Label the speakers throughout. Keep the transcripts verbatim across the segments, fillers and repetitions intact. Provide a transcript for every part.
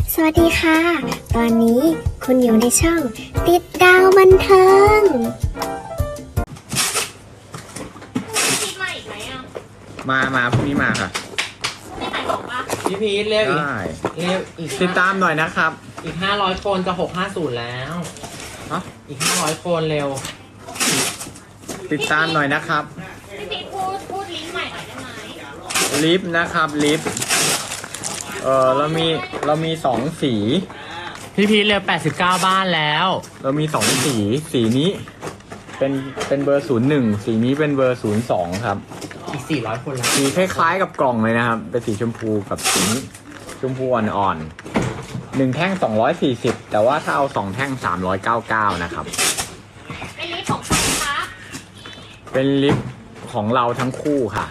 Speaker 1: สวัสดีค่ะ ตอนนี้คุณอยู่ในช่องติดดาวบันเทิง
Speaker 2: พีทมาอีกไหมอ่ะ
Speaker 3: มามาพรุ่งนี้มาค่ะ
Speaker 2: ไม่ขายของปะ
Speaker 4: พี่พีทเร็วอีก
Speaker 3: ได้
Speaker 4: เร็วอีก
Speaker 3: ติดตามหน่อยนะครับ
Speaker 4: อีกห้าร้อยคนจะหกห้าศูนย์แล้ว
Speaker 3: ฮะ
Speaker 4: อีกห้าร้อยคนเร็ว
Speaker 3: ติดตามหน่อยนะครับ
Speaker 2: พี่พีทพูดพูดลิงก์ใหม่หน่อยได้ไหม
Speaker 3: ลิฟต์นะครับลิฟต์เออเรามีเรามีสองสี
Speaker 4: พี่พีทเร็วแปดสิบเก้าบ้านแล้ว
Speaker 3: เรามีสองสีสีนี้เป็นเป็นเบอร์ศูนย์หนึ่งสีนี้เป็นเบอร์ศูนย์สองครับ
Speaker 4: อีกสี่ร้อยคนแล้ว
Speaker 3: สีคล้ายๆกับกล่องเลยนะครับเป็นสีชมพูกับสีนี้ชมพูอ่อนๆหนึ่งแท่งสองร้อยสี่สิบแต่ว่าถ้าเอาสองแท่งสามร้อยเก้าเก้านะครับ
Speaker 2: เป็นลิงก์ของใครคะ
Speaker 3: เป็นลิฟต์ของเราทั้งคู่ค่ะ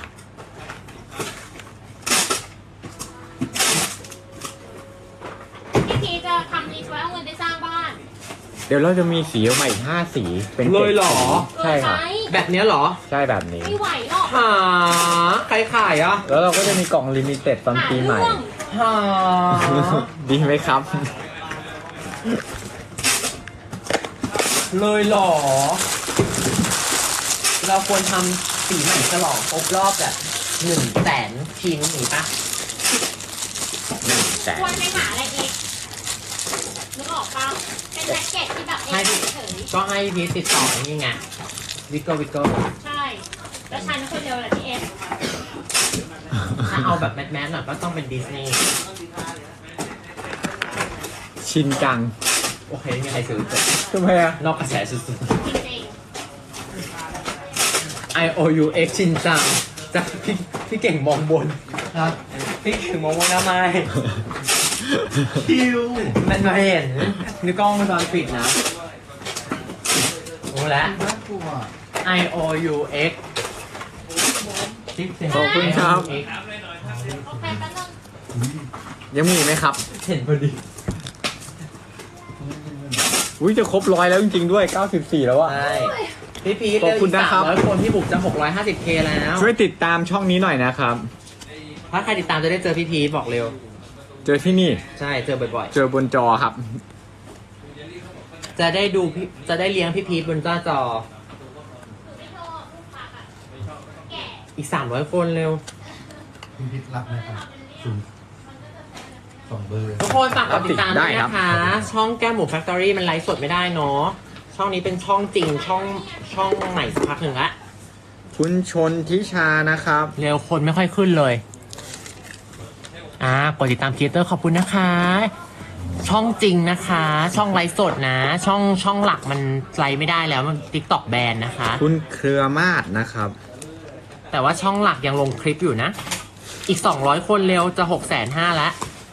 Speaker 2: พี่พีทจะทำลิงก์ไว้เอาเงินไปสร้างบ้าน
Speaker 3: เดี๋ยวเราจะมีสีออกมาอีกห้าสีเป็น
Speaker 4: เลยเหรอ
Speaker 3: ใช่ค่ะ
Speaker 2: เออไหม
Speaker 4: แบบเนี้ยเหรอ
Speaker 3: ใช่แบบนี้
Speaker 2: ไม่ไหวหรอก
Speaker 4: หาใครขายอ่ะ
Speaker 3: แล้วเราก็จะมีกล่องลิมิเต็ดตอน
Speaker 2: หา
Speaker 3: ปีใหม่
Speaker 2: เรื่อง
Speaker 4: หา
Speaker 3: ดีไหมครับ
Speaker 4: เลยเหรอ เราควรทำสีใหม่ฉลองครบรอบแบบหนึ่งแสนชิ้นหรือปะ
Speaker 3: แต่
Speaker 2: ควรไปหาอะไรอีกนึกออกปะเป็นแจ็คเก็ตที่แบบ
Speaker 4: ให้
Speaker 2: เอ
Speaker 4: พี่
Speaker 2: เฉย
Speaker 4: ก็ให้พี่ติดต่อนี่ไงวิกเกอร์วิกเกอร์
Speaker 2: ๆใช่ แล้วฉันคนเดียวแหละพี่เอส
Speaker 4: ถ้าเอาแบบแมสแมสหน่อยก็ต้องเป็นดิสนีย์
Speaker 3: ชินจัง
Speaker 4: โอเคไม่มีใครซื้อจบ
Speaker 3: ทำไมอะ
Speaker 4: นอกกระแสสุด
Speaker 2: จริง
Speaker 4: ๆ I O U X ชินจังจากพี่พี่เก่งมองบนครับพี่เก่งมองบนทำไมคิวมันมาเห็นนี่กล้องวงจรปิดนะรู้แล้ว I O U X
Speaker 3: ขอบคุณครับ
Speaker 2: ๆโอเคแป๊บนึง
Speaker 3: ยังมีอีกไหมครับ
Speaker 4: เห็นพอดี
Speaker 3: อุ้ยจะครบร้อยแล้วจริงๆด้วยเก้าสิบสี่แล้วอะ
Speaker 4: ใช่พี่พีท
Speaker 3: ขอบคุณนะครับ
Speaker 4: ร้อยคนพี่บุกจะหกร้อยห้าสิบเคแล้ว
Speaker 3: ช่วยติดตามช่องนี้หน่อยนะครับ
Speaker 4: ถ้าใครติดตามจะได้เจอพี่พีทบอกเร็ว
Speaker 3: เจอที่นี่
Speaker 4: ใช่เจอบ่อย
Speaker 3: เจอบนจอครับ
Speaker 4: ๆ จะได้ดูพี่จะได้เลี้ยงพี่พีทบนหน้าจอ
Speaker 2: ไม่ชอบลูกค้าอะแก่
Speaker 4: อีกสามร้อยคนเร็ว
Speaker 5: พี่พิษรับไหมครับศูนย์สองเบอร์
Speaker 4: ทุกคนฝากกดติดตาม
Speaker 3: ได้
Speaker 4: ด้วย
Speaker 3: ครับ
Speaker 4: นะคะ ช่องแก้มหมูแฟคทอรี่มันไลฟ์สดไม่ได้เนาะช่องนี้เป็นช่องจริงช่องช่องใหม่สักพักหนึ่งละ
Speaker 3: คุณชนทิชานะครับ
Speaker 4: เร็วคนไม่ค่อยขึ้นเลยอ่ากดติดตามครีเอเตอร์ขอบคุณนะคะ ช่องจริงนะคะ ช่องไลฟ์สดนะ ช่องช่องหลักมันไลฟ์ไม่ได้แล้วมันติ๊กต็อกแบนนะคะ
Speaker 3: คุณเครือมาศนะครับ
Speaker 4: แต่ว่าช่องหลักยังลงคลิปอยู่นะ อีกสองร้อยคนเร็วจะหกแสนห้าแล้ว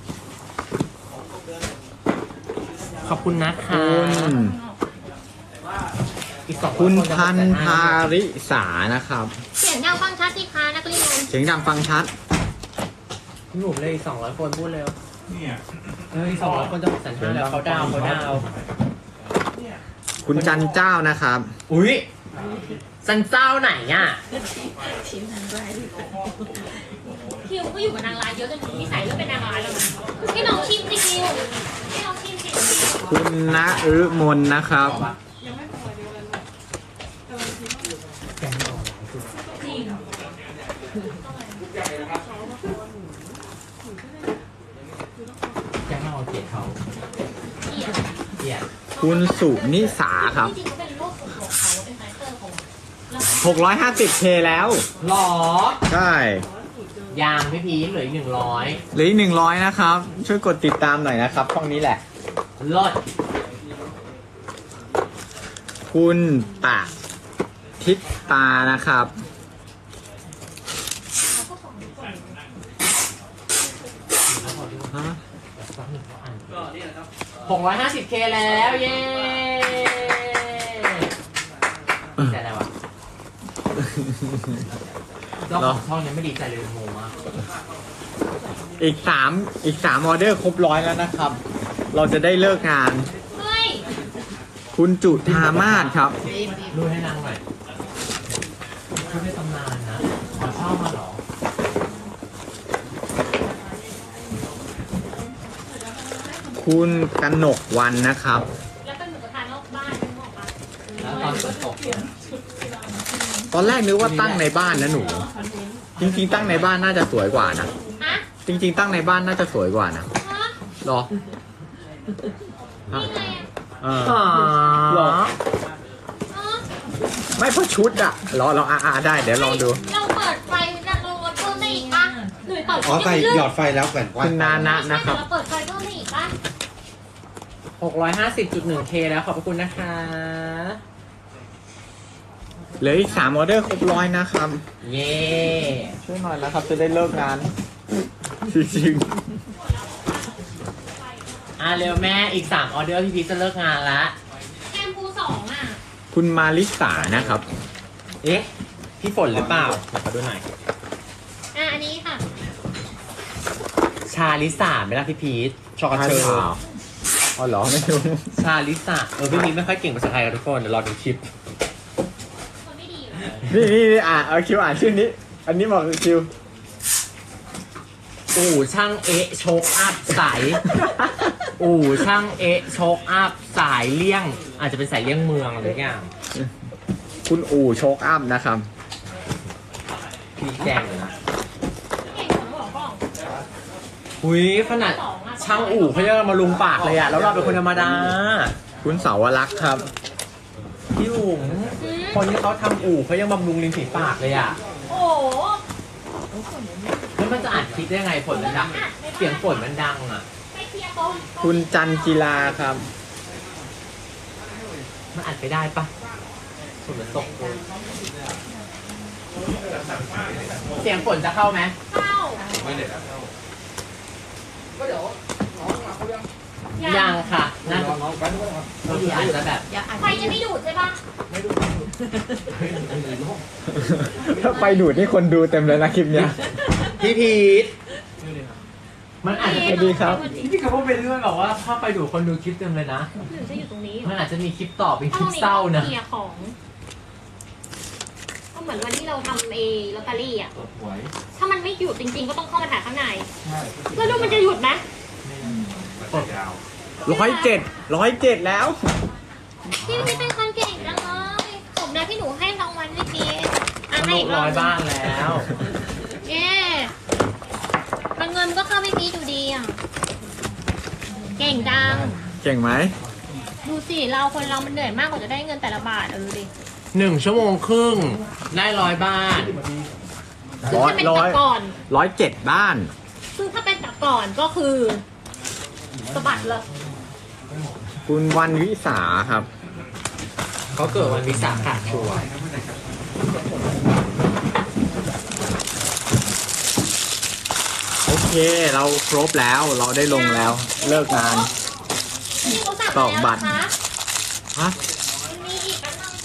Speaker 4: ขอบคุณนะคะ
Speaker 3: คุณ
Speaker 4: อีกสองร้อย
Speaker 3: คุณ
Speaker 4: นจะ
Speaker 3: พัน
Speaker 4: หกแสห้
Speaker 3: ธาริสานะครับ
Speaker 2: เสียงดังฟังชัดสิคะนักเรียน
Speaker 3: เสียงดังฟังชัด
Speaker 4: พี่หนุ่มเลยอีกสองร้อยคนพูดเร็วเฮ้ยสองร้อยคนจะหกแสนห้าแล้วเขาดาวน์เขาดาวน์
Speaker 3: คุณจันเจ้านะครับ
Speaker 4: อุ้ยสันเจ้าไหนอ่ะ
Speaker 2: คิวก็อยู่กับนางร้ายเยอะจนถึงที่ใส่เลือกเป็นนางร้ายแล้วนะให้น้องชิมสิคิวให้น้องชิมสิ
Speaker 3: คุณณฤมลนะครับ
Speaker 2: จริง
Speaker 4: แกงเอาเกียรติเขา
Speaker 2: เกลียด
Speaker 4: เกียรติ
Speaker 3: คุณสุนิสาครับ
Speaker 2: จริงๆเขาเป็นโรคส่วนตัวเขาเป็นไฟเตอร์ของเรา
Speaker 3: หกร้อยห้าสิบเคแล้ว
Speaker 4: หรอ
Speaker 3: ใช่
Speaker 4: ยางพี่พีชเหลืออีกหนึ่งร้อย
Speaker 3: เหลืออีกหนึ่งร้อยนะครับ ช่วยกดติดตามหน่อยนะครับช่องนี้แหละ
Speaker 4: ลด
Speaker 3: คุณปะทิตตานะครับ ฮะ
Speaker 4: หกร้อยห้าสิบเคแล้วเย้ดีใจแล้วอะเจ้าของช่องยังไม่ดีใจเลยงงมาก
Speaker 3: อีกสามอีกสามออเดอร์ครบร้อยแล้วนะครับ เราจะได้เลิกงาน
Speaker 2: เฮ้ย
Speaker 3: คุณจุธามาศครับ
Speaker 4: ดูให้นางหน่อยชุดในตำนานนะขอเช่ามาเหรอ
Speaker 3: คุณกนกวันนะครับ
Speaker 2: แล้วเป็นหมูกระทะนอกบ้านนึกออกปะ
Speaker 4: แล้วตอนฝนตก
Speaker 3: ตอนแรกนึกว่าตั้งในบ้านนะหนู จริงๆ ตั้งในบ้านน่าจะสวยกว่านะ
Speaker 2: ฮะ
Speaker 3: จริง ๆ ตั้งในบ้านน่าจะสวยกว่านะ
Speaker 2: ฮะ
Speaker 3: หรอ
Speaker 2: นี่ไงอ่ะ
Speaker 3: เออหรอ
Speaker 2: ฮะ
Speaker 3: ไม่เพราะชุดอะรอรออ่าอ่าได้เดี๋ยวลองดู
Speaker 2: เราเปิดไฟแล้วเราลดเพิ่มได้อีกปะหรือเปิด
Speaker 5: อ๋อใส่หยอดไฟแล้วแผ่น
Speaker 3: คุณนานะนะครับ
Speaker 2: เราเปิดไฟเพิ่มได้อีกปะ
Speaker 4: หกร้อยห้าสิบจุดหนึ่งเคแล้วขอบพระคุณนะคะ
Speaker 3: เหลืออีกสามออเดอร์ครบร้อยนะครับ
Speaker 4: เย้
Speaker 3: ช่วยหน่อยนะครับ จะได้เลิกงาน จริง
Speaker 4: อ่ะเร็วแม่อีกสามออเดอร์พี่พีชจะเลิกงานละ
Speaker 2: แชมพูสองอ่ะ
Speaker 3: ๆคุณมาริสานะครับ
Speaker 4: เอ๊ะพี่ฝนหรือเปล่าเดี๋ยวขอดูหน่อย
Speaker 2: อ่ะอันนี้ค่ะ
Speaker 4: ชาลิสาไหมล่ะพี่พีชชอกระเชอ
Speaker 3: อ๋ออ๋อเหรอไม่รู้
Speaker 4: ชาลิสาเออพี่พีชไม่ค่อยเก่งภาษาไทยกันทุกคนเดี๋ยวรอดูคลิป
Speaker 2: คนไม่ดีอยู่
Speaker 3: นี่นี่นี่อ่านเอาคิวอ่านชื่อนี้ อันนี้บอกคือคิว
Speaker 4: อู่ช่างเอะโชกอัพสาย อู่ช่างเอะโชกอัพสายเลี่ยง อาจจะเป็นสายเลี่ยงเมืองอะไรอย่าง
Speaker 3: คุณอู่โชคอัพนะครับ
Speaker 4: พี่แจงเลยนะ
Speaker 2: เก่งของบอกกล้อง
Speaker 4: หุยขนาดช่างอู่เขายังมาลุงปากเลยอะแล้วเราเป็นคนธรรมดา
Speaker 3: คุณเสาวรักษ์ครับ
Speaker 4: พี่อุ๋ม
Speaker 2: อืม
Speaker 4: คนที่เขาทำอู่เขายังบำรุงริมฝีปากเลยอะ
Speaker 2: โอ้โห
Speaker 4: แล้วมันจะอัดคลิปได้ไงฝนมันดัง เสียงฝนมันดังอะ
Speaker 2: ไปเคลียร์โต๊ะ
Speaker 3: คุณจันกีฬาครับ
Speaker 4: มันอัดไปได้ปะฝนมันตกเลยเสียงฝนจะเข้าไหม
Speaker 2: เข้า
Speaker 4: ยังค่ะน่าจะบางทีอาจจะแบบ
Speaker 2: ไฟจะไม่ดูดใช่ปะ
Speaker 3: ถ้าไปดูดนี่คนดูเต็มเลยนะคลิปเนี้ย
Speaker 4: พี่พีทมันอาจจะ
Speaker 3: ส
Speaker 4: เป็
Speaker 3: วัน สดีครับ
Speaker 4: พี่กับพวกเป็นเรื่องแบบว่าถ้าไปดูคนดูคลิปเต็มเลยนะ
Speaker 2: หรือจะอยู่ตรงนี้
Speaker 4: มันอาจจะมีคลิปต่อเป็นค
Speaker 2: ถ้า
Speaker 4: ลิ
Speaker 2: ตร
Speaker 4: ป
Speaker 2: งนี้
Speaker 4: เศร้านะ
Speaker 2: เคลียร์ของ ก็เหมือนวันที่เราทำเอลอตเตอรี่อ่ะ ถ้ามันไม่หยุดจริงๆ ก็ต้องเข้ามาถ่ายข้างใน แล้วดูมันจะหยุดไหม
Speaker 3: ร้อยเจ็ดร้อยเจ็ดแล้ว
Speaker 2: พี่พี่เป็นคนเก่งจังเลยสมนะที่หนูให้รางวัลพี่พีชอ่ะ
Speaker 4: ทะ
Speaker 2: ให้
Speaker 4: ลุ
Speaker 2: อีกร
Speaker 4: ร้
Speaker 2: อ
Speaker 4: อบ ย
Speaker 2: หนึ่ง
Speaker 4: บ้างแล้ว
Speaker 2: เย้มันเงินมันก็เข้าพี่พีชอยู่ดีอ่ะ เก่งจัง
Speaker 3: เก่งไหม
Speaker 2: ดูสิเราคนเรามันเหนื่อยมากกว่าจะได้เงินแต่ละบาทเออดูดิ
Speaker 4: หนึ่งชั่วโมงครึ่งได้ร้อยบ้าน
Speaker 2: ซึ่ง
Speaker 3: ร้อย
Speaker 2: ถ้าเป็น
Speaker 3: ร้อ
Speaker 2: แต่
Speaker 3: ย
Speaker 2: ก่อน
Speaker 3: ร้อยเจ็ดบ้าน
Speaker 2: ซึ่งถ้าเป็นแต่ก่อนก็คือสะบัดเลย
Speaker 3: คุณวันวิสาครับ
Speaker 4: เขาเกิดวันวิสาขะชัวร์
Speaker 3: โอเค เราครบแล้วเราได้ลงแล้ว เลิกงาน
Speaker 2: นี่เขาสั่ง
Speaker 3: ตอกบัตร
Speaker 2: มาแล้วนะคะ
Speaker 3: ฮะ
Speaker 2: มันมีอีกอันนึง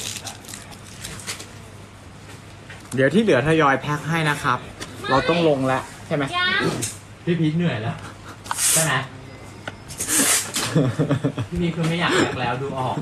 Speaker 3: เดี๋ยวที่เหลือทยอยแพ็คให้นะครับ เราต้องลงแล้วใช่ไหม
Speaker 2: ยัง
Speaker 4: พี่พีทเหนื่อยแล้วใช่ไหมพี่พีทคือไม่อยากแบกแล้วดูออก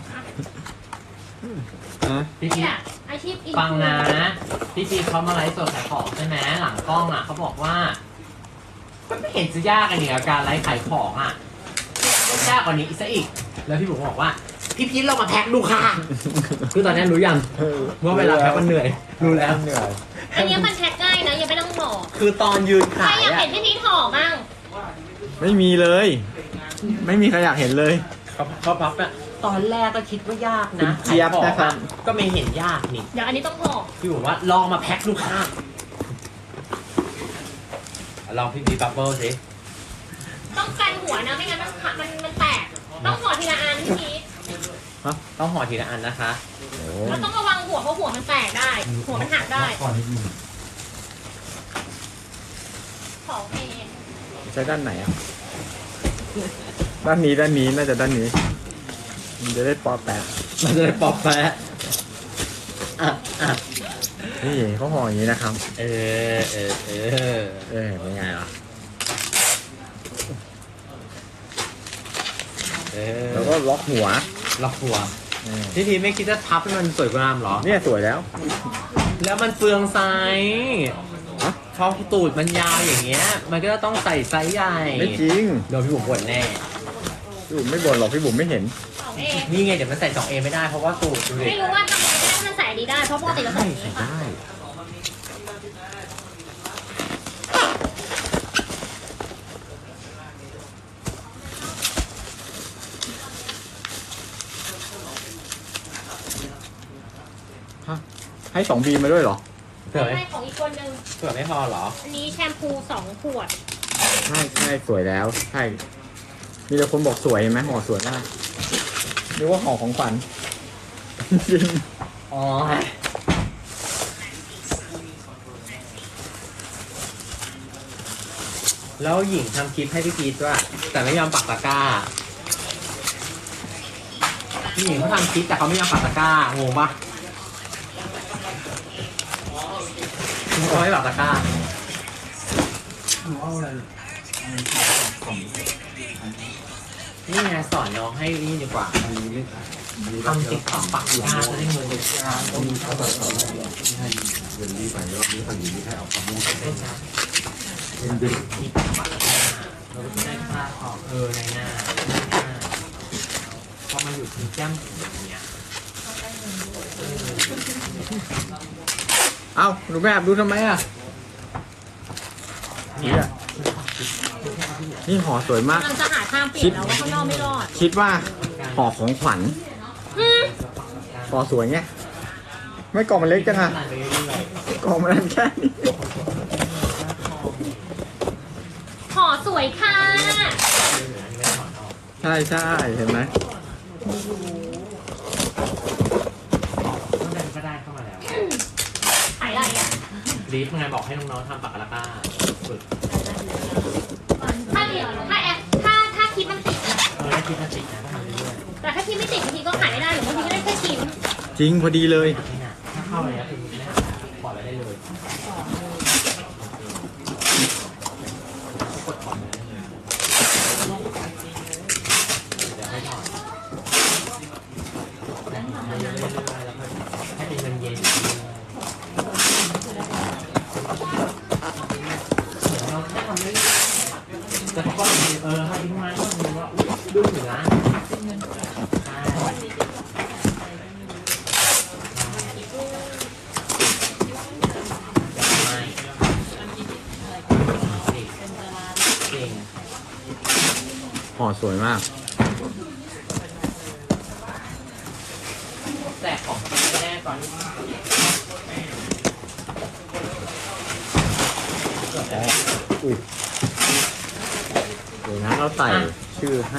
Speaker 3: ฮะ
Speaker 4: พี่พี
Speaker 2: เนี่
Speaker 4: ท
Speaker 2: ยอาชีพอิน
Speaker 4: ฟังนะพี่พีทเขามาไลฟ์สดขายของใช่ไหมหลังกล้องอ่ะเขาบอกว่ามันไม่เห็นจะยากอันนี้กับการไลฟ์ขายของอ่ะยากกว่านี้อีกซะอีก แล้วพี่บุ๋มบอกว่า พี่พีทเรามาแพ็คดูค่ะ คือตอนนี้รู้ยังว่าเวลาแพ็คมันเหนื่อย รู้แล้ว
Speaker 3: เหนื่อย
Speaker 2: อันเนี้ยมันแพ็คง่ายนะอย่าไปต้องห่อ
Speaker 4: คือตอนยืน
Speaker 2: ใคร
Speaker 4: ขาย
Speaker 2: อยาก
Speaker 4: อ่ะ
Speaker 2: เห็นพี่พีทห่อมั่ง
Speaker 3: ไม่มีเลย ไม่มีใครอยากเห็นเลย
Speaker 4: เขาเขาพับอ่ะตอนแรกก็คิดว่ายาก
Speaker 3: คุ
Speaker 4: นะ
Speaker 3: ณเจี๊ยบนะครับ
Speaker 4: ก็ไม่เห็นยากนี่
Speaker 2: เดี๋ยวอันนี้ต้องห่อ
Speaker 4: พี่บอกว่าลองมาแพ็คดูค่ะลองพี่บีบับเบิ้ลสิ
Speaker 2: ต้องกันหัวนะไม่งั้นมันขามันมันแตก ต้องห่อทีละอันพี่พีท
Speaker 3: ฮะ
Speaker 4: ต้องห่อทีละอันนะคะ
Speaker 3: โอ้
Speaker 2: แล้วต้องระวังหัวเพราะหัวมันแตกได้ หัวมันหักได้
Speaker 5: ก่อนนิดนึง
Speaker 2: ของเอง
Speaker 3: ใช้ด้านไหนอ่ะ ด้านนี้ด้านนี้น่าจะด้านนี้ มันจะได้ปอแปะ
Speaker 4: มันจะได้ปอกแปะอ่ะอ่ะ
Speaker 3: นี่เขาห่ออย่างนี้นะครับ
Speaker 4: เออเออเออ
Speaker 3: เออเป็นไงล่ะ
Speaker 4: เออ
Speaker 3: แล้วก็ล็อกหัว
Speaker 4: ล็อกหัว
Speaker 3: เออ
Speaker 4: พี่ทีไม่คิดจะพับให้มันสวยงามเหรอ
Speaker 3: เนี่ยสวยแล้ว
Speaker 4: แล้วมันเปลืองไซส์
Speaker 3: ฮะ
Speaker 4: พอตูดมันยาวอย่างเงี้ย มันก็ต้องใส่ไซส์ใหญ่
Speaker 3: ไม่จริง
Speaker 4: โดนพี่บุ๋มบ่นแน่
Speaker 3: พี่บุ๋มไม่บ่นหรอกพี่บุ๋มไม่เห็น
Speaker 2: สองเอ
Speaker 4: นี่ไงเดี๋ยวมันใส่ สองเอ ไม่ได้เพราะว่าตูดดูดิ
Speaker 2: ไม่รู้ว่าทำไมมันใส่ดีได้เพราะปกติเราใส่อย่างนี้ค่ะ
Speaker 3: ได้ฮะให้สองบีมาด้วยเหรอ
Speaker 4: เผื่อไม่
Speaker 2: ให้ของอีกคนนึง
Speaker 4: เผื่อไม่พอเหรอ
Speaker 2: อันนี้แชมพูสองขวด
Speaker 3: ใช่ใช่สวยแล้ว ใช่ มีแต่คนบอกสวยเห็นไหมห่อสวยมากนึกว่าห่อของขวัญ จริง
Speaker 4: อ๋อ แล้วหญิงทำคลิปให้พี่พีทด้วยแต่ไม่ยอมปักตะกร้าพี่หญิงเขาทำคลิปแต่เขาไม่ยอมปักตะกร้างงปะเขาไม่ปักตะกร้า
Speaker 5: หนูเอาอะไรกล่อง
Speaker 4: นี่ไงสอนน้องให้นี่ดีกว่า
Speaker 5: อันนี้ไม่อันนี้
Speaker 4: ทำติ๊กต็อกปักตะกร้าจะได้เงินเดือน
Speaker 5: ต้องมีข้าวแบบที่ให้เงินดีไปรอบนี้ฝั่งนี้ให้เอาความมุ่งใส่เงินดี
Speaker 4: มีปักตะกร้าเราก็จะได้ค่าออกเออในหน้าในหน้าพอมันอยู่ที่แก้มอย่างเงี้ย
Speaker 3: เอ้าหนูแม่แอบดูทำไมอ่ะ
Speaker 4: เนี่ย
Speaker 3: นี่ห่อสวยมาก
Speaker 2: กำลังจะหาทางเปลี่ยนแล้วว่าข้างนอกไม่รอด
Speaker 3: คิดว่าห่อของขวัญ
Speaker 2: อืม
Speaker 3: ห่อสวยไงไม่กล่องมันเล็กจังอ่ะ
Speaker 4: ตัดไปเรื่อย
Speaker 3: กล่องมันแค่นี้
Speaker 2: ห่อสวยค่ะ
Speaker 3: ใช่ใช่เห็นไหม
Speaker 4: ต้องเดินก็ได้เข้ามาแล้ว
Speaker 2: ขายอะไรอ่ะ
Speaker 4: รีฟไงบอกให้น้องๆทำปากกาลาก้าฝึก
Speaker 2: ถ้าเดี๋ยวถ้าแอปถ้าถ้าคลิปมันติดอะ
Speaker 4: เออได้คิดมาติดนะก็ทำเรื่อย
Speaker 2: แต่ถ้าคลิปไม่ติดบางทีก็ขายไม่ได้หรือบางทีก็ได้แค่ชิ้น
Speaker 3: จริงพอดีเลย
Speaker 4: ๆนี่นะถ้าเข้าไปแล้วคือไม่ได้ปล่อยไว้ได้เลยกดปล่อยไว้ได้เลยเดี๋ยวให้ถอดแล้วเรื่อยๆแล้วก็ให้เป็นเงินเย็นเราแค่ทำเรื่อยๆแต่เขาก็เออให้ทิ้งไว้ก็ดูว่าดูเหนือใช่ไม่เก่ง
Speaker 3: ห่อสวยมาก
Speaker 4: แจกของไม่แน่ก่อน
Speaker 3: อุ้ยเดี๋ยวนะเราใส่ชื่อให้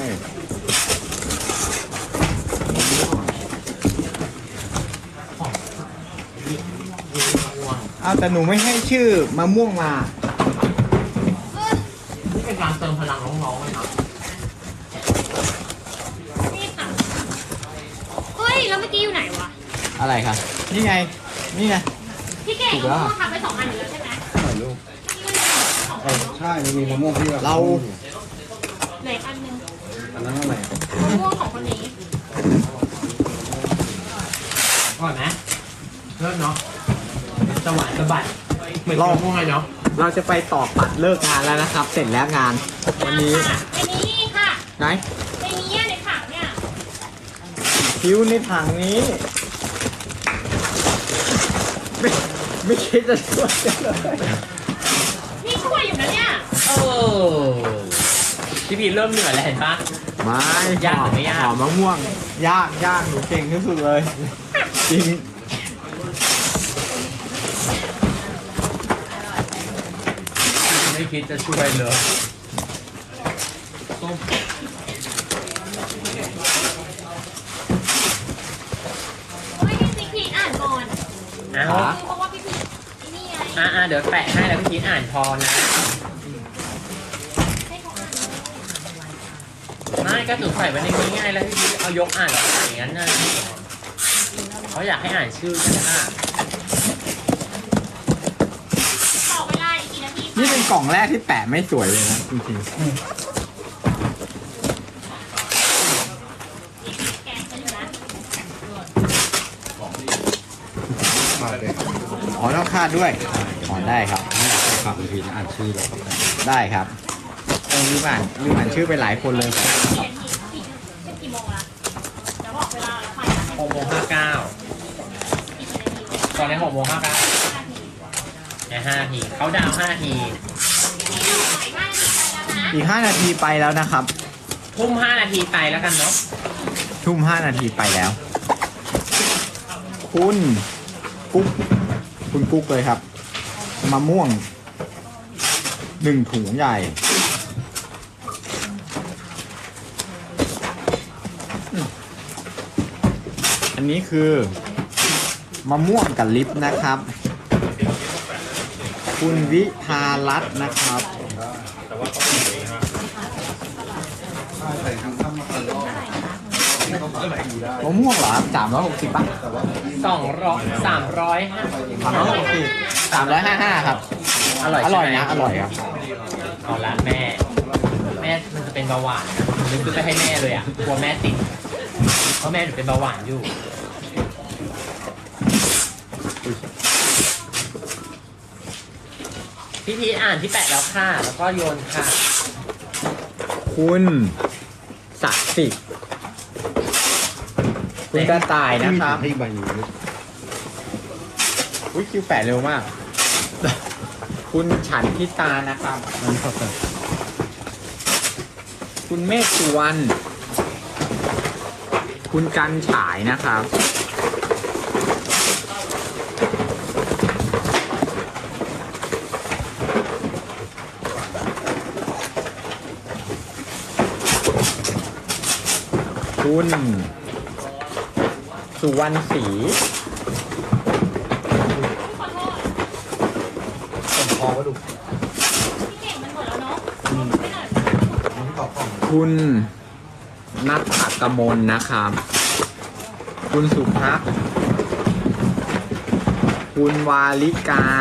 Speaker 4: ของยิ่งยิ่งม่วง
Speaker 3: อ้าวแต่หนูไม่ให้ชื่อมะม่วงมา
Speaker 4: นี่เป็นการเติมพลังน้องๆเลยนะ
Speaker 2: นี่ค่ะ เฮ้ย แล้วเมื่อกี้อยู่ไหนวะ
Speaker 3: อะไรครับนี่ไง นี่ไง
Speaker 2: พี่เก๋
Speaker 3: ถูกแล้ว
Speaker 2: เอาทำไปสองอันอยู่แล้วใช่ไหม
Speaker 5: ถ่ายรูป
Speaker 2: นี่มันสองอันเนอะ
Speaker 5: ใช่มันมีมะม่วงที่
Speaker 3: เรา
Speaker 2: เหลืออีกอันหนึง
Speaker 5: อันนั้นอะไร
Speaker 2: มะม่วงของคนนี้
Speaker 4: อร่อยไหมเลิศเนาะสวรรค์สะบัดเหมือน
Speaker 3: ลอง
Speaker 4: ม่วงเลยเนาะ
Speaker 3: เราจะไปต่อปัดเลิกงานแล้วนะครับ เสร็จแล้วงาน วันนี้
Speaker 2: ค่ะไอ้นี่ค่ะ
Speaker 3: ไหน
Speaker 2: ไอ้นี้ในถังเนี่ย
Speaker 3: คิ้วในถังนี้ ไม่ไม่คิดจะช่วยกันเลย
Speaker 2: นี่ช่วยอยู่นะเนี่ย
Speaker 4: เออพี่พีเริ่มเหนื่อยแล้วเห็นปะ
Speaker 3: ไม่
Speaker 4: ยากหรือไม่ยาก
Speaker 3: หอมมะม่วง ยากยากหนูเก่งที่สุดเลย จริง
Speaker 4: ไม่คิดจะช่วยเลยส้ม
Speaker 2: เฮ้ยพี่พีอ่านก่อน
Speaker 4: เอา
Speaker 3: ฮะ
Speaker 2: เพราะว่าพี่พีไอ้นี่ไง
Speaker 4: อ่ะอ่ะเดี๋ยวแปะให้แล้วพี่พีอ่านพอนะ
Speaker 2: ให้เขาอ่านเลย
Speaker 4: ไม่ก็ถูกใส่ไว้ในนี้ง่ายแล้วพี่พีเอายกอ่านอย่างนั้นนะเขาอยากให้อ่านชื่อกันนะ
Speaker 2: ต่อเวลาอีกกี่นาที
Speaker 3: นี่เป็นกล่องแรกที่แปะไม่สวยเลยนะจริง
Speaker 2: แกะกันอยู่นะ
Speaker 5: มาเลย
Speaker 3: ๆอ๋อต้องคาดด้วยอ๋อได้ครับ
Speaker 5: ฝากคุณพีนะอ่านชื่อแล้วก็แปะ
Speaker 3: ได้ครับต้องรีบอ่านรีบอ่านชื่อไปหลายคนเลย
Speaker 2: กี่นาทีกี่
Speaker 4: กโมงห้าเก้าตอนนี้หกโมงห้าเก้าในห้านาทีเขาดาวห้านาที
Speaker 3: อีกห้านาทีไปแล้วนะครับ
Speaker 4: ทุ่มห้านาทีไปแล้วกันเนาะ
Speaker 3: ทุ่มห้านาทีไปแล้ว คุณกุ๊กคุณกุ๊กเลยครับมะม่วงหนึ่งถุงใหญ่อืมอันนี้คือมะม่วงกับลิปนะครับ คุณวิภารัตน์นะครับ
Speaker 5: ถ้าใส่ทั้งข้าวมาตลอดต้องเท่าไหร่ดูได้
Speaker 3: มะม่วงเหรอสามร้อยหกสิบป่ะ
Speaker 5: แต่ว่า
Speaker 4: สองร้อยสามร้อยห้า
Speaker 3: สามร้อยหกสิบสามร้อยห้าห้าครับ
Speaker 4: อร่อย
Speaker 3: อร่อย
Speaker 4: ใช่ไหม
Speaker 3: นะ อร่อยครับ
Speaker 4: เอาละแม่ แม่มันจะเป็นเบาหวานนะนึกซื้อไปให้แม่เลยอ่ะกลัวแม่ติดเพราะแม่หนูเป็นเบาหวานอยู่พี่พีชอ่านที่แปะแล้วค่ะ แล้วก็โยนค่ะ
Speaker 3: คุณศักดิ์สิทธิ์คุณกระต่ายนะครับ
Speaker 5: ให้ใบนี้
Speaker 3: อุ้ยคิวแปะเร็วมาก คุณฉันทิตานะครับ
Speaker 5: นั่นครับแต่
Speaker 3: คุณเมฆสุวรรณคุณกันฉายนะครับ คุณสุวรรณศรี
Speaker 2: ขอโทษ
Speaker 5: ผมพอก็ดู
Speaker 2: พี่เก่งมันหมดแล้วเนาะไม่หน่อย
Speaker 5: มันตอบกล่อง
Speaker 3: คุณนัทถักกมลนะครับ คุณสุภักดิ์คุณวาลิกา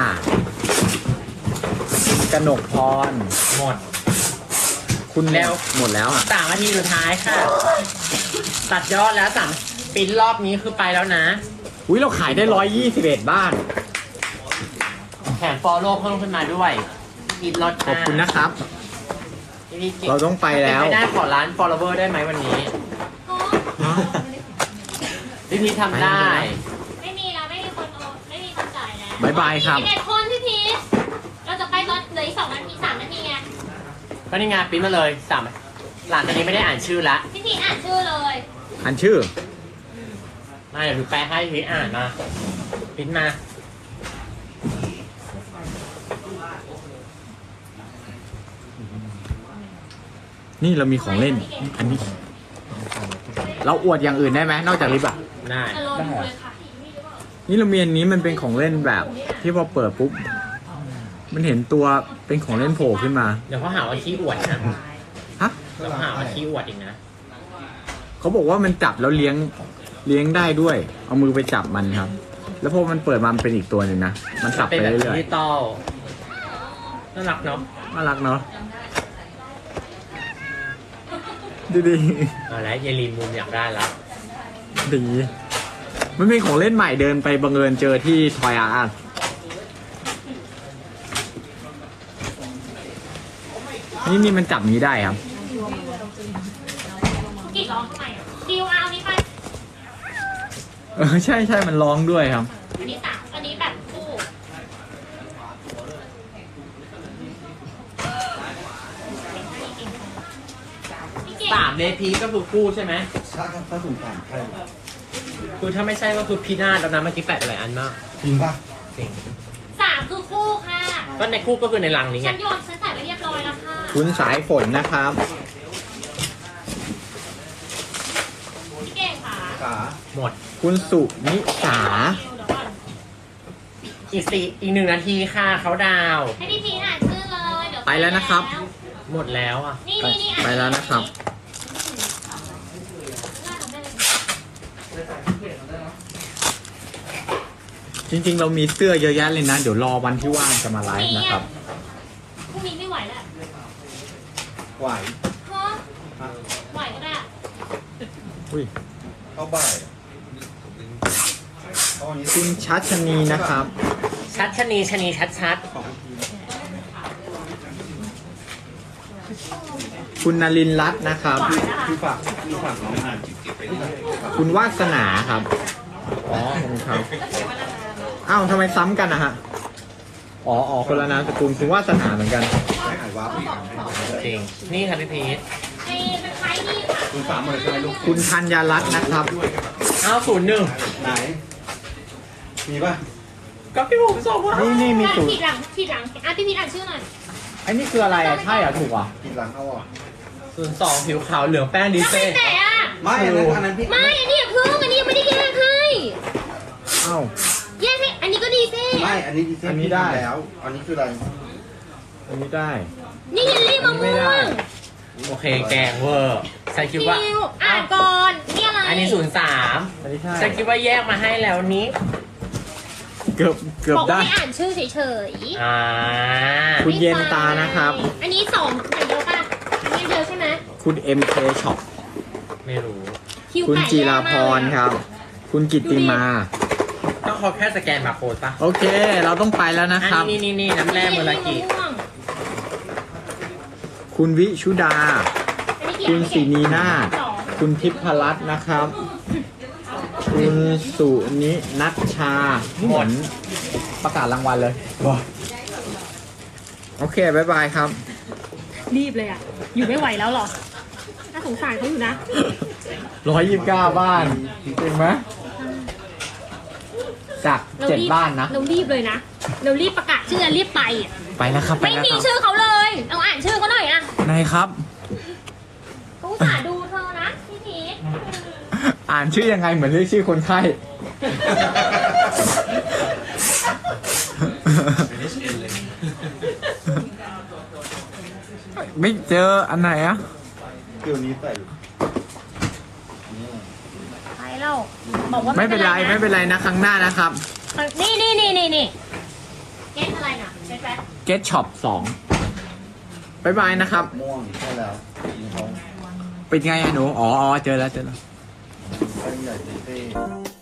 Speaker 3: คุณกนกพร
Speaker 4: หมด
Speaker 3: คุณ
Speaker 4: แล้ว
Speaker 3: หมดแล้วอ่ะ
Speaker 4: สามนาทีสุดท้ายค่ะ ตัดยอดแล้วสามปิ้นรอบนี้คือไปแล้วนะ
Speaker 3: อุ้ยเราขายได้ร้อยยี่สิบเอ็ดบ้าน
Speaker 4: แถมฟอลโล่เพิ่มขึ้นมาด้วยอีกลด
Speaker 3: ขอบคุณนะครับ เราต้องไปแล้ว
Speaker 4: ไม่ได้ขอร้าน follower ได้ไหมวันนี้
Speaker 2: อ๋อ
Speaker 4: พี่พีชทำได้
Speaker 2: ไม่มีแล้วไม่มีคนโอนไม่มีคนจ่ายแล้ว
Speaker 3: บ๊ายบายครับ
Speaker 2: สิบเอ็ดคนพี่พีชเราจะไปตอนเหลืออีกสองนาทีสามนาทีไง
Speaker 4: ก็นี่ไงปิ้นมาเลยสามหลังจากนี้ไม่ได้อ่านชื่อละ
Speaker 2: พี่พีชอ่านชื่อเลย
Speaker 3: อันชื่อ
Speaker 4: มาเดี๋ยวดูแปลให้พี่พีชอ่านมาปิ้นมา
Speaker 3: นี่เรามีของเล่น อันนี้ เราอวดอย่างอื่นได้ไหมนอกจากลิปอ่ะ
Speaker 4: ได้
Speaker 2: อารมณ์เลยค่ะ
Speaker 3: นี่เรามีอันนี้มันเป็นของเล่นแบบ ที่พอเปิดปุ๊บ มันเห็นตัวเป็นของเล่นโผล่ขึ้นมา
Speaker 4: เดี๋ยวเขาหาว่าขี้อวดนะ
Speaker 3: ฮะ
Speaker 4: เดี๋ยวเขาหาว่าขี้อวดอีกนะ
Speaker 3: เขาบอกว่ามันจับแล้วเลี้ยงเลี้ยงได้ด้วย เอามือไปจับมันครับ แล้วพอมันเปิดมามันเป็นอีกตัวหนึ่งนะ มันสับ
Speaker 4: เป็น
Speaker 3: ไป
Speaker 4: แบบ
Speaker 3: เรื่
Speaker 4: ดิ
Speaker 3: อย
Speaker 4: จิตอลน่ารักเนาะ
Speaker 3: ๆน่ารักเนาะดีดี
Speaker 4: เอาแล้วเยลีนมุมอยากได้แล้ว
Speaker 3: ดี มันเป็นของเล่นใหม่เดินไปบังเอิญเจอที่ทอยอาร์นี่นี่มันจับนี้ได้ครับ
Speaker 2: กี่ร้องทำไมอ่ะดิวเอานี้ไป
Speaker 3: เออใช่ใช่มันร้องด้วยครับ
Speaker 2: อันนี้สามอันนี้แบบคู่พี่เก่ง
Speaker 4: สามเลพีก็คือคู่ใช่ไหม
Speaker 5: ถ้าถ้าสูงสามใช่
Speaker 4: คือถ้าไม่ใช่ก็คือพีนาศแล้วนะเมื่อกี้แปะไปหลายอันมาก
Speaker 5: จริงป่ะ
Speaker 4: จริง
Speaker 2: สามคือคู่ค่ะ
Speaker 4: ก็ในคู่ก็คือในรังนี้ไง
Speaker 2: ฉันโยนฉันใส่ไว้เรียบร้อยแล้วค่ะ
Speaker 3: คุณสายฝนนะครับ
Speaker 2: พี่เก่งค่ะ
Speaker 5: ขา
Speaker 4: หมด
Speaker 3: คุณสุนิสา
Speaker 2: เดี๋ยวก่อน
Speaker 4: อีกสี่อีกหนึ่งนาทีค่ะเขาดาวน์
Speaker 2: ให้พี่พีอ่านชื่อเลยเดี๋ยว
Speaker 3: ไปแล้วนะครับ
Speaker 4: หมดแล้วอ่ะ
Speaker 2: นี่
Speaker 3: ไป
Speaker 2: นี่นี่อ่าน
Speaker 3: ไปแล้วนะครับ จริงๆ เรามีเสื้อเยอะแยะเลยนะ เดี๋ยวรอวันที่ว่างจะมาไลฟ์นะครับ
Speaker 2: พรุ่งนี้ไม่ไหวแล้ว
Speaker 5: ไหว
Speaker 2: ฮะไหวก็ได้
Speaker 3: อุ้ย
Speaker 5: เข้าบ่ายตอนนี้
Speaker 3: คุณชัชนีนะครับ
Speaker 4: ชัดชะนีชะนีชัดชัด
Speaker 5: ของที
Speaker 3: คุณนลินทร์รัตน์นะครับ
Speaker 5: พี่ฝากพี่ฝากน้องอ่านจิบเก็บไปด้วย
Speaker 3: คุณวาสนาครับ อ๋อขอบคุณครับ อ้าวทำไมซ้ำกันนะฮะ อ๋ออ๋อคนละนามสกุลคุณวาสนาเหมือนกัน
Speaker 5: ให้หายวาร์ปอีกอันให้
Speaker 4: จริง นี่ค่ะพี่พีท
Speaker 2: ไอ้เป็นใครนี่ค่ะ
Speaker 5: คุณสามหมื่นใช่ไหมลูก
Speaker 3: คุณธัญรัตน์นะครับ
Speaker 5: ด้วยครับ
Speaker 4: อ้าวศูนย์หนึ่ง
Speaker 5: ไหน มีป่ะ
Speaker 4: ก็พี่ผมส่งมา
Speaker 3: นี่นี่มีสูตร
Speaker 2: ผิดหลังผิดหลังอ่ะพี่พีทอ่านชื่อหน่อย
Speaker 3: ไอ้นี่คืออะไรอ่ะ ใช่เหรอถูกอ่ะ
Speaker 5: กินหลังเอาอ่ะ
Speaker 4: ศูนย์สองผิวขาวเหลืองแป้งดี
Speaker 2: แล้ว
Speaker 4: เซ่
Speaker 2: ใครแตะอ่ะ
Speaker 5: ไม่อันนั้นอันนั้นพี่
Speaker 2: ไม่อันนี้อย่าเพิ่งอันนี้ยังไม่ได้แยกให้
Speaker 3: อ้าว
Speaker 2: แยกให้อันนี้ก็ดีเซ่
Speaker 5: ไม่อันนี้ดีเซ่
Speaker 3: อันนี้
Speaker 5: พี่
Speaker 3: ได้
Speaker 5: ทำแล้ว อันนี้คืออะไร
Speaker 3: อันนี้ได้
Speaker 2: นี่เยลลี่มะ
Speaker 3: อันนี้ไม่
Speaker 2: ม่
Speaker 3: ได้
Speaker 2: วง
Speaker 4: โอเคแกงเวอร์ฉันคิดว่า
Speaker 2: คิวอ่านก่อนนี่อะไร
Speaker 4: อันนี้ศูนย์สาม
Speaker 3: อันนี้ใช่
Speaker 4: ฉันคิดว่าแยกมาให้แล้วนี้
Speaker 3: เกือบเกือบ
Speaker 2: บอกว่า
Speaker 3: ได้
Speaker 2: ให้อ่านชื่อเฉยๆ
Speaker 4: อ่า
Speaker 3: คุณเย็นตานะครับ
Speaker 2: อันนี้สองอย่างเดียวป่ะอันนี้เดียวใช่ไหม
Speaker 3: คุณ เอ็ม เค Shop
Speaker 4: ไม่รู้
Speaker 2: คิว
Speaker 3: คุณ
Speaker 2: ไก่
Speaker 3: จีราพร
Speaker 2: แย่มากเลยอะ
Speaker 3: ครับ คุณกิตติมา
Speaker 4: ต้องขอแค่สแกนบาร์โค้ดปะ
Speaker 3: โอเค เราต้องไปแล้วนะ
Speaker 4: อัน
Speaker 3: ครับ
Speaker 4: นี้นี่นี่น้ำแร่เมอรากิ
Speaker 2: อันนี้ม่วง
Speaker 3: คุณวิชุดา
Speaker 2: อันนี้กี่
Speaker 3: คุณ
Speaker 2: อัน
Speaker 3: ศรีนีนาถ
Speaker 2: สอง
Speaker 3: คุณทิพรัตน์นะครับ คุณสุนินัชชาเหมือนประกาศรางวัลเลย โอเค บ๊ายบายครับ
Speaker 2: รีบเลยอ่ะ อยู่ไม่ไหวแล้วหรอ น่าสงสารเขาอยู่นะ
Speaker 3: ร้อยยี่สิบเก้าบ้านจริงไหมจาก
Speaker 2: เรา
Speaker 3: เจ็ด
Speaker 2: รีบ
Speaker 3: บ้านนะ
Speaker 2: เรารีบเลยนะ เรารีบประกาศชื่อรีบไปอะ
Speaker 3: ไปแล้วครับ ไป
Speaker 2: ไม่
Speaker 3: แล้ว
Speaker 2: มี
Speaker 3: ครับ
Speaker 2: ชื่อเขาเลย เอาอ่านชื่อเขาหน่อยอ่ะ
Speaker 3: นายครับ
Speaker 2: เขาอุตส่าห์ดูเธอนะพี่พีท
Speaker 3: อ่านชื่อยังไงเหมือนเรียกชื่อคนไข้ ไม่เจออันไหนอะ
Speaker 5: เดี๋ยวนี้ใส่
Speaker 2: ไปแล้วบอกว่า
Speaker 3: ไม่เป็นไรไม่เป็นไรนะครั้งหน้านะครับ
Speaker 2: นี่นี่นี่นี่นี่เก็ตอะไรน่ะเก็ตแบ็ค
Speaker 3: Get Shop สองบายบายนะครับ
Speaker 5: ม่วงใช่แล้วมีท้อง
Speaker 3: เป็นไงอะหนู อ๋ออ๋อเจอแล้วเจอแล้ว
Speaker 5: แป้งใหญ่ดีเซ่